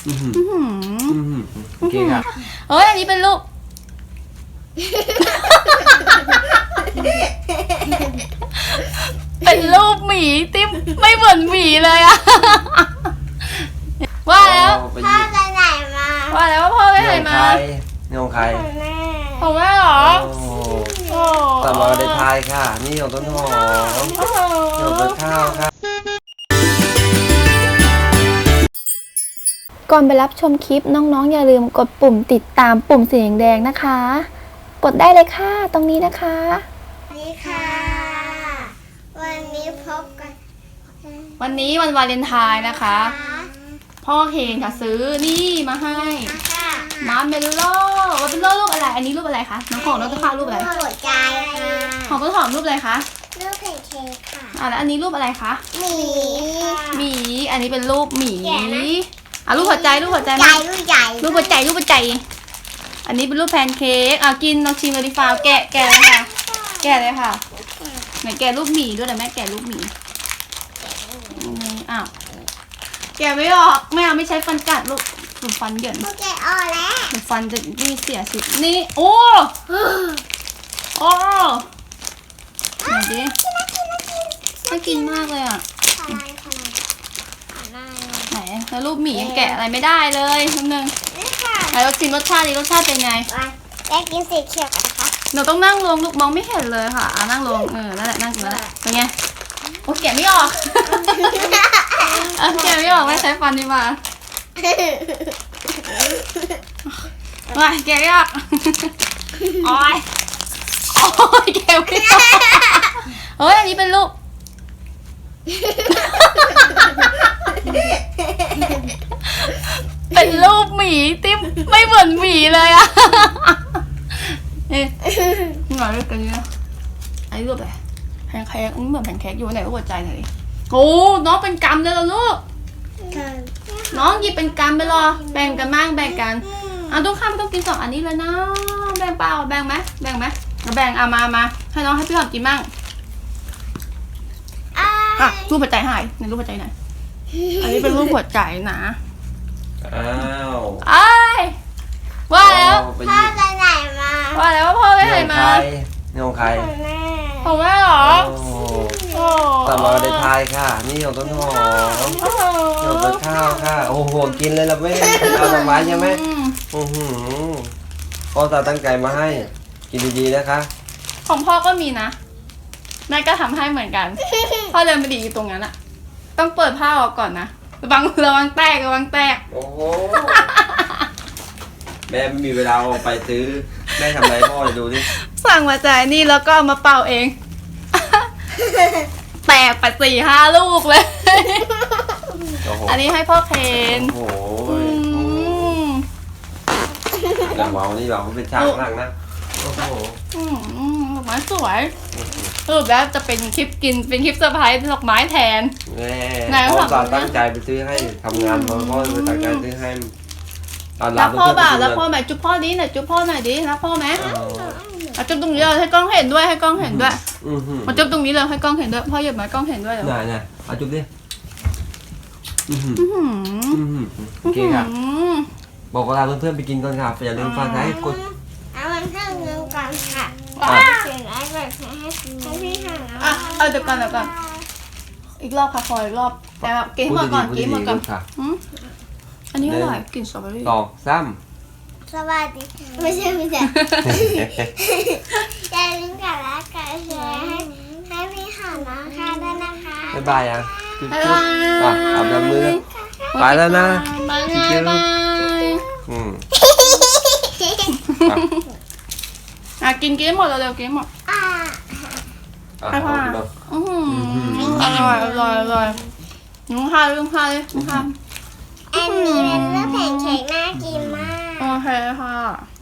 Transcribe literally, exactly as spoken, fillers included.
อือหืออื้อหืออือหือโอเคค่ะเฮ้ยอันนี้เป็นรูปเป็นรูปหมีที่ไม่เหมือนหมีเลยอะว่าแล้วไปพ่อยิบไปไหนมาว่าแล้วว่าพ่อไปไหนนี่ของมาใครนี่ของใครของแม่ของแม่เหรอโอ้โหโอ้ตามมาได้ทายค่ะ นี่ของต้นหอมโอ้โหนี่ของต้นข้าวค่ะก่อนไปรับชมคลิปน้องๆอย่าลืมกดปุ่มติดตามปุ่มสีแดงๆนะคะ กดได้เลยค่ะตรงนี้นะคะสวัสดีค่ะ วันนี้พบกันวันนี้วันวาเลนไทน์นะคะ พ่อเคนค่ะซื้อนี่มาให้ค่ะมาร์เมลโล่ว่าเป็นโล่รูปอะไร อันนี้รูปอะไรคะน้องของน้องต้นข้าวรูปอะไรหัวใจค่ะของต้นหอมรูปอะไรคะลูกแพนเค้กค่ะอ่ะแล้วอันนี้รูปอะไรคะหมีค่ะหมี อันนี้เป็นรูปหมีแกะนะอ่ะรูปหัวใจรูปหัวใจใจมาลูกใหญ่รูปหัวใจรูปหัวใจ อันนี้เป็นรูปแพนเค้กอ่ะกินลองชิมเลยดิฟ้าวแกะแกะเลยค่ะ แกะเลยค่ะไหนแกะรูปหมีด้วยแต่แม่แกะรูปหมีอืมอ้าวแกะไม่ออกไม่เอาไม่ใช้ฟันกัดลูกหนูฟันเหยินพวกแกอ่อนแล้วหนูฟันจะนี่เสียสินี่โอ้โอ้ไหนดิน่ากินมากเลยอ่ะทำไมทำไมทำไมไหนแล้วรูปหมียังแกะอะไรไม่ได้เลยนิดนึงนี่ค่ะไหนเราชิมรสชาติดิรสชาติเป็นไงมาได้กินสีเขียวกันนะคะหนูต้องนั่งลงลูกมองไม่เห็นเลยค่ะอ่ะนั่งลงเออนั่นแหละนั่งกินแล้วแหละเป็นไงโอ้แกะไม่ออกเออแกะไม่ออกไม่ใช้ฟันดีกว่าว้ายแกะไม่ออกโอ้ยโอ้ยแกะไม่ออกเฮ้ยอันนี้เป็นรูปเป็นรูปหมีที่ไม่เหมือนหมีเลยอะเอ๊ะหน่อยด้วยกันเนี่ยอันนี้รูปอะไรแพนเค้กอืมเหมือนแพนเค้กอยู่ไหนรูปหัวใจหน่อยดิโอ้น้องเป็นกำเลยเหรอลูกน้องหยิบเป็นกำไปรอแบ่งกันมั่งแบ่งกันอ่ะต้องข้ามต้องกินสองอันนี้เลยนะแบ่งเปล่าแบ่งไหมแบ่งไหมแบ่งเอามามาให้น้องให้พี่หอมกินมั่งอ่ะรูปหัวใจหายในรูปหัวใจไหนอันนี้เป็นรูปหัวใจนะอ้าวไอ้ายว่าแล้วไปพ่อยิบไปไหนมาว่าแล้วว่าพ่อไปนี่ไหนของมาใครนี่ของใครของแม่ของแม่เหรอโอ้โหโอ้ตามมาได้ทายค่ะ นี่ของต้นหอมโอ้โหนี่ของต้นข้าวค่ะ โอ้โห กินเลยละแม่เอาดอกไม้ใช่ไหมอืมอือหือพ่อตาตั้งใจมาให้ กินดีๆนะคะของพ่อก็มีนะแม่ก็ทำให้เหมือนกัน พ่อเดินไปดีอยู่ตรงนั้นอะต้องเปิดผ้าออกก่อนนะระวังระวังแตกระวังแตกโอ้โห แม่ไม่มีเวลาออกไปซื้อ แม่ทำอะไรพ่อจะดูดิสั่งมาจ่ายนี่แล้วก็เอามาเป่าเอง แตกไปสี่ห้าลูกเลยโอ้โหอันนี้ให้พ่อเคนโอ้โหอืมอย่างเมานี่เราเป็นช่างข้างนะ โอ้โหอืมดอกไม้สวยสรุปแล้วจะเป็นคลิปกินเป็นคลิปเซอร์ไพรส์ดอกไม้แทนแม่ไหนพ่อพ่อตาตั้งใจไปซื้อให้ทำงานมาพ่อไปตั้งใจซื้อให้ตอนรักพ่อเพื่บ่าอนๆรักพ่อไหมจุ๊บพ่อดิหน่อยจุ๊บพ่อหน่อยดิรักพ่อไหมเออเอาจุ๊บตรงนี้เลยให้กล้องเห็นด้วยให้กล้องเห็นด้วยอือหือมาจุ๊บตรงนี้เลยให้กล้องเห็นด้วยพ่อหยิบมากล้องเห็นด้วยเหรอไหนไหนเอาจุ๊บดิอือหืออื้อหืออือหือโอเคค่ะอื้อหือบอกเวลาเพื่อนๆไปกินก่อนค่ะอย่าลืมฝากไลค์กดเอามันเครื่องนึงก่อนค่ะอ่ะเสียงไอ้แบบให้ให้พี่หาอ่ะเอาเดี๋ยวก่อนเดี๋ยวก่อนอีกรอบค่ะพออีกรอบแต่แบบกินให้หมดก่อนพูดกินให้หมดก่อนดีๆค่ะอืมอันนี้อร่อยกลิ่นสตรอเบอรี่ตอกซ้สวัสดีไม่ใช่ไม่ใช่ำอย่าลืมกดไลค์กดแชร์ให้ให้พี่หาน้องค่ะด้วยนะคะบ๊ายบายอ่ะจุ๊บบ๊ายจุ๊บาบยอ่ะเอาแบบมือไปแล้วนะบายจิ๊บจิ๊บบายอืมอ่ะกินกินให้หมดเร็วๆกินให้หมดอ่าอ่ะให้พ่อเอาดูอือหืออร่อยอร่อยอร่อยลุงพายลุงพายลุงพายอันนี้เป็นเรื่องแพนเค้กน่ากินมากโอเคค่ะ